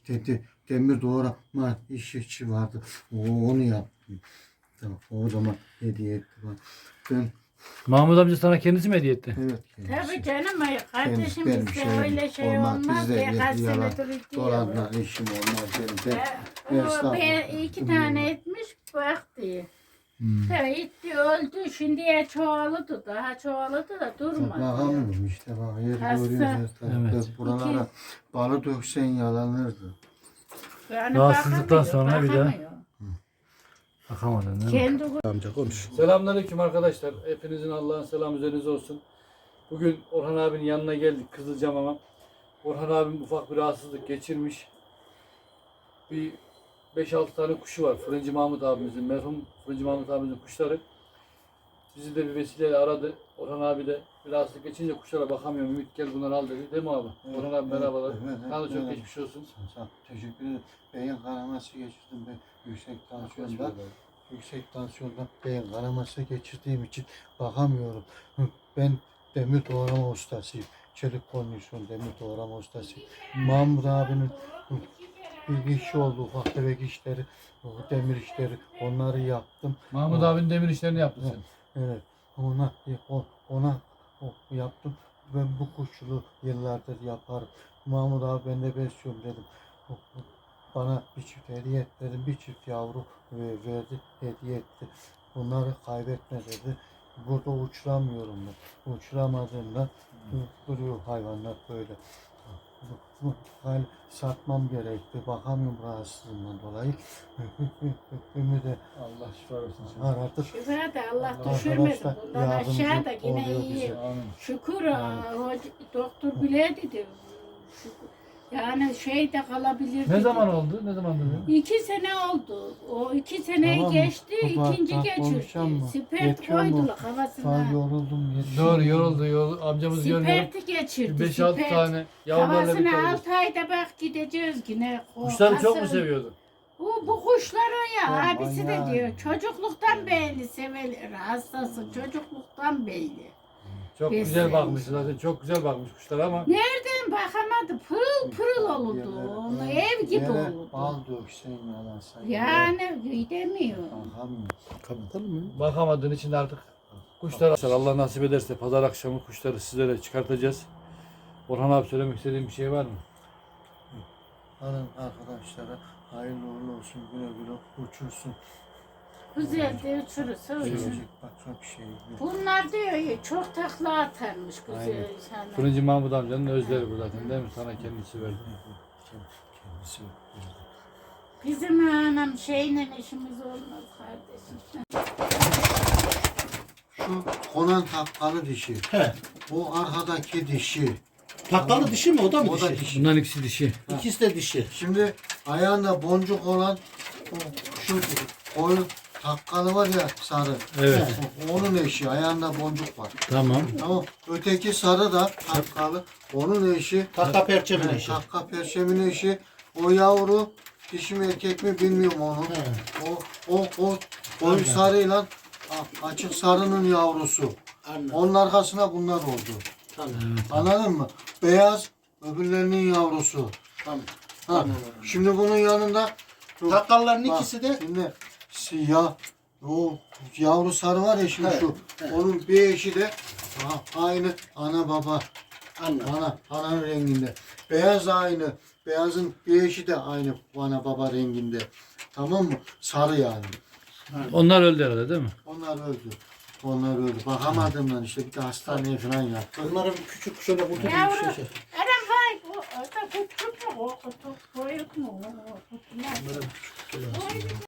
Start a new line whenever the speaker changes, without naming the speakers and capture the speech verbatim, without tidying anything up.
dedi, demir doğrama işçi vardı. O, onu yaptım. Tamam, o zaman hediye etti bana. Ben,
Mahmut amca sana kendisi mi hediye etti?
evet. Kendisi.
Tabii canım ay- kardeşim
benim
bizde
şeyim
öyle şey
olmaz.
olmaz.
Bizde
Birkaç
bir yalan,
senedir gidiyor.
dolanla işim olmaz benim. Ben,
Ee, o
estağfurullah.
bir, iki tane etmiş baktı.
Hmm.
Tabii gitti öldü. Şimdiye çoğalıdı. Daha çoğalıdı da durmadı.
Bakamıyorum işte bak yer
Hasta.
görüyoruz.
Evet.
Buralara balı döksen yalanırdı.
Yani
Rahatsızlıktan
bakamıyor,
sonra bir daha-
bakamıyor.
Bakamadın değil mi?
Kendi
Amca konuş.
Selamünaleyküm arkadaşlar. Hepinizin Allah'ın selamı üzerinize olsun. Bugün Orhan abinin yanına geldik Kızılcamam'a. Orhan abim ufak bir rahatsızlık geçirmiş. Bir beş altı tane kuşu var. Fırıncı Mahmut abimizin, merhum Fırıncı Mahmut abimizin kuşları. Bizi de bir vesileyle aradı. Orhan abi de bir rahatsızlık geçince kuşlara bakamıyorum. Ümit gel bunları al dedi. Değil mi abi?
Evet,
Orhan abi merhabalar.
evet, evet,
Sana da çok
evet.
geçmiş olsun.
Sağ ol, teşekkür ederim. Beyin kanaması geçirdim ben yüksek tansiyonda. Yüksek tansiyonda beyin kanaması geçirdiğim için bakamıyorum. Hı, Ben demir doğrama ustasıyım. Çelik kondisyon demir doğrama ustasıyım. Mahmut abinin hı, bir işi oldu, ufak tefek işleri, o demir işleri, onları yaptım.
Mahmut
Aa.
abinin demir işlerini yaptın
Evet.
sen.
Evet, ona o- ona o yaptım. Ben bu kuşçuluğu yıllardır yaparım. Mahmut abi ben de besliyorum dedim. O- o Bana bir çift hediye et dedim. Bir çift yavru ve- verdi, hediye etti. Bunları kaybetme dedi. Burada uçuramıyorum ben. Uçuramadığımda duruyor hayvanlar böyle. Bu- bu hal satmam gerekti. Bakamıyorum rahatsızlığımdan dolayı. Ümidi
Allah şifa versin sana.
aradık.
Şükür de Allah
Allah
düşürmesin.
arkadaşlar
Bundan
yardımcı
aşağı da yine
oluyor
iyi.
bize.
Amin.
Şükür aa, hoca- doktor bile dedi. Şükür. Yani şey de kalabilir.
Ne
dedi.
zaman oldu? Ne zaman oldu?
İki sene oldu. O iki seneyi
Tamam mı?
geçti,
Baba,
ikinci
bak,
geçirdi.
konuşacağım mı?
Sipert
Yetiyor mu?
koydular
Ben
kafasına.
yoruldum. yetiyor.
Doğru yoruldu. Yorul, amcamız görüyorum.
Siperti geçirdi.
beş altı
sipert.
tane yavrularla bir
Kafasına
tane.
altı ayda bak gideceğiz yine. O
Kuşları çok mu
kasır-
seviyordu?
Bu, bu kuşları ya
Ya,
abisi de
manyak.
diyor çocukluktan beri sevelir hastası çocukluktan beri.
Çok
Biz
güzel
sevmiş.
bakmış zaten. Çok güzel bakmış kuşlara ama
Nereden bakamadı pırıl pırıl olurdu
Yerlere-
onu ev gibi
yere
olurdu.
Bal döksen yalan say.
Yani gidemiyor.
Bakamıyorum. Kapatalım mı?
bakamadığın için de artık kuşlar Allah nasip ederse pazar akşamı kuşları sizlere çıkartacağız. Orhan abi söylemek istediğin bir şey var mı?
Alın arkadaşlara hayırlı uğurlu olsun, güle güle uçursun.
Güzel de uçurursa uçurur.
Sevecek bak çok şey.
Bunlar diyor ya çok takla atarmış güzel
Aynen.
insanlar.
Fırıncı Mahmut amcanın özleri bu zaten değil mi? Sana kendisi verdi.
Kendisi.
Bizim anam şeyle işimiz olmaz kardeşim.
Şu konan takkalı dişi.
He.
O arkadaki dişi.
Takkalı dişi mi? O da mı
O da
dişi?
dişi.
Bunların ikisi dişi.
İkisi de dişi.
Şimdi ayağında boncuk olan o, şu koyun takkalı var ya sarı.
Evet.
O- Onun eşi ayağında boncuk var.
Tamam.
Tamam. Öteki sarı da takkalı. Onun eşi.
Takka perçemin
He,
eşi.
Takka perçemin eşi. O yavru dişi mi erkek mi bilmiyorum onu.
He.
O o o koyu sarıyla a- açık sarının yavrusu.
Anladım.
Onun arkasına bunlar oldu.
Tamam.
Anladın mı? Beyaz öbürlerinin yavrusu.
Tamam.
Ha.
Anladım.
Şimdi bunun yanında şu-
Takkalların
bak,
ikisi de
şimdi siyah o yavru sarı var ya şimdi
Evet,
şu.
evet.
Onun bir eşi de a- aynı ana baba.
anladım.
Ana, ana renginde. Beyaz da aynı. Beyazın bir eşi de aynı ana baba renginde. Tamam mı? Sarı yani.
Onlar öldü herhalde değil mi?
Onlar öldü. Onlar öldü. Bakamadığımdan işte bir de hastaneye falan yattı.
Bunların küçük şöyle kutu gibi bir
Yavru.
şey.
Anam vay o o da kutu mu o kutu koyuk mu o kutu ne?
Bunların küçük kutuları.